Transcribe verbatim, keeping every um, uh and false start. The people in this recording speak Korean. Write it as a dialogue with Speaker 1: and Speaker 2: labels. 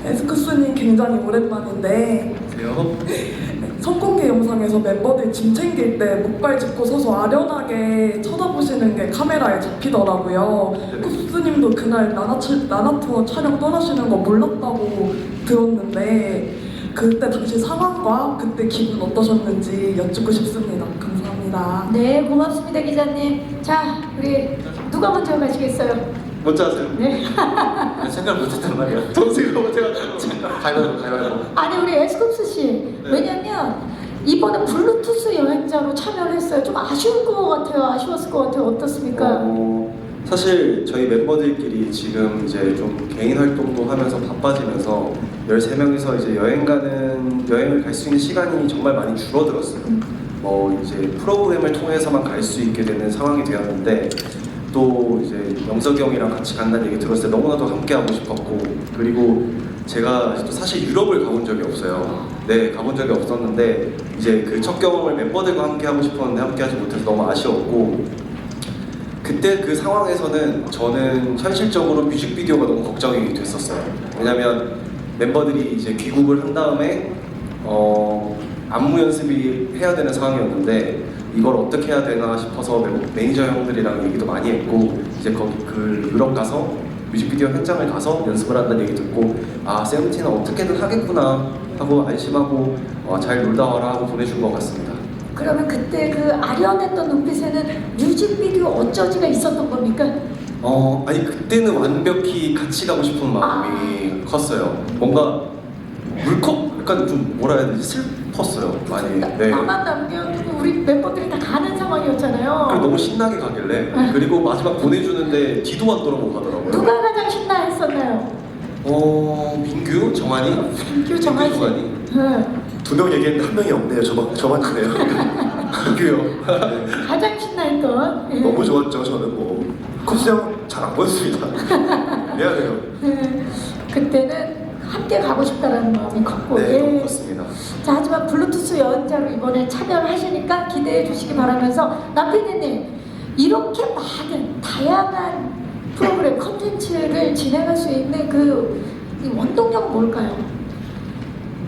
Speaker 1: 에스쿠스님 굉장히 오랜만인데
Speaker 2: 안녕하세요.
Speaker 1: 선공개 영상에서 멤버들 짐 챙길 때 목발 짚고 서서 아련하게 쳐다보시는 게 카메라에 잡히더라고요.
Speaker 2: 네.
Speaker 1: 쿠스님도 그날 나나츠, 나나투어 촬영 떠나시는 거 몰랐다고 들었는데 그때 당시 상황과 그때 기분 어떠셨는지 여쭙고 싶습니다. 감사합니다.
Speaker 3: 네, 고맙습니다, 기자님. 자, 우리 누가 먼저 가시겠어요?
Speaker 2: 먼저 하세요.
Speaker 3: 네.
Speaker 2: 생각 못했단 말이야. 동생이 못해가지고. 가위바위보, 가위바위보.
Speaker 3: 아니, 우리 에스쿱스 씨.
Speaker 2: 네.
Speaker 3: 왜냐면 이번에 블루투스 여행자로 참여를 했어요. 좀 아쉬울 것 같아요. 아쉬웠을 것 같아요. 어떻습니까?
Speaker 4: 어, 사실 저희 멤버들끼리 지금 이제 좀 개인 활동도 하면서 바빠지면서 열세 명이서 이제 여행 가는 여행을 갈 수 있는 시간이 정말 많이 줄어들었어요. 뭐 이제 프로그램을 통해서만 갈 수 있게 되는 상황이 되었는데 또 이제 영석이 형이랑 같이 간다는 얘기 들었을 때 너무나도 함께 하고 싶었고, 그리고 제가 또 사실 유럽을 가본 적이 없어요. 네, 가본 적이 없었는데 이제 그 첫 경험을 멤버들과 함께 하고 싶었는데 함께 하지 못해서 너무 아쉬웠고, 그때 그 상황에서는 저는 현실적으로 뮤직비디오가 너무 걱정이 됐었어요. 왜냐면 멤버들이 이제 귀국을 한 다음에 어, 안무 연습이 해야 되는 상황이었는데 이걸 어떻게 해야 되나 싶어서 매니저 형들이랑 얘기도 많이 했고, 이제 거기 그 유럽 가서 뮤직비디오 현장을 가서 연습을 한다는 얘기 듣고 아, 세븐틴은 어떻게든 하겠구나 하고 안심하고 어, 잘 놀다 와라 하고 보내준 것 같습니다.
Speaker 3: 그러면 그때 그 아련했던 눈빛에는 뮤직비디오 어쩌지가 있었던 겁니까?
Speaker 4: 어, 아니 그때는 완벽히 같이 가고 싶은 마음이 컸어요. 뭔가 물컥 약간 좀 뭐라 해야 되지, 슬펐어요 많이. 네.
Speaker 3: 나만 남겨두고 우리 멤버들이 다 가는 상황이었잖아요.
Speaker 4: 그리고 너무 신나게 가길래, 그리고 마지막 보내주는데 뒤도 안 돌아보고 가더라고요.
Speaker 3: 누가 가장 신나했었나요?
Speaker 4: 어, 민규, 정한이,
Speaker 3: 민규, 정한이.
Speaker 4: 정한이.
Speaker 3: 네.
Speaker 4: 두 명 얘기했는데 한 명이 없네요. 저만 저만 있네요. 민규요. 네.
Speaker 3: 가장 신나했던. 예.
Speaker 4: 너무 좋았죠. 저는 뭐 코스 형잘안 보였습니다. 미안해요.
Speaker 3: 네. 그때는 함께 가고 싶다라는 마음이 컸고.
Speaker 4: 네,
Speaker 3: 예.
Speaker 4: 너무 컸습니다.
Speaker 3: 자, 하지만 블루투스 여행자로 이번에 참여를 하시니까 기대해 주시기 바라면서 남피디님, 이렇게 많은 다양한 프로그램 컨텐츠를 진행할 수 있는 그 이 원동력은 뭘까요?